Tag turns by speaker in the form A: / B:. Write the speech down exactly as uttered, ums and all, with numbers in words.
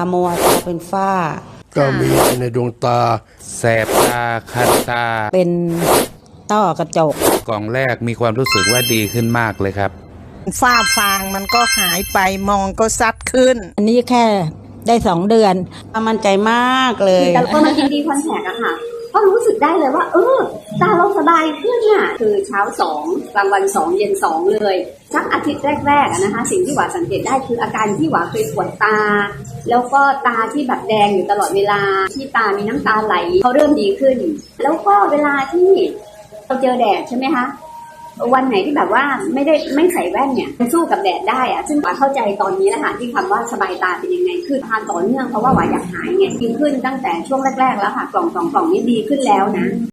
A: มัวตาเป็นฝ้า
B: ก็มีในดวงตา
C: แสบตาคันตา
A: เป็นต้อกระจก
C: กล่องแรกมีความรู้สึกว่าดีขึ้นมากเลยครับ
D: ฝ้าฟางมันก็หายไปมองก็ซัดขึ้น
A: อันนี้แค่ได้สองเดือนมั่นใจมากเลย
E: แต่พอมากินดีคอนแทคอะค่ะก็รู้สึกได้เลยว่าเออตาเราสบายขึ้นน่ะคือเช้าสองกลางวันสองเย็นสองเลยสักอาทิตย์แรกๆอะนะคะสิ่งที่หวาสังเกตได้คืออาการที่หวาเคยปวดตาแล้วก็ตาที่แบบแดงอยู่ตลอดเวลาที่ตามีน้ำตาไหลเขาเริ่มดีขึ้นแล้วก็เวลาที่เราเจอแดดใช่ไหมคะวันไหนที่แบบว่าไม่ได้ไม่ใส่แว่นเนี่ยมันสู้กับแดดได้อะซึ่งหวาเข้าใจตอนนี้แหละค่ะที่คำว่าสบายตาเป็นยังไงคือทานต่อเนื่องเพราะว่าหวาอยากหายไงดีขึ้นตั้งแต่ช่วงแรกๆแล้วค่ะกล่องสองกล่องนี้ดีขึ้นแล้วนะ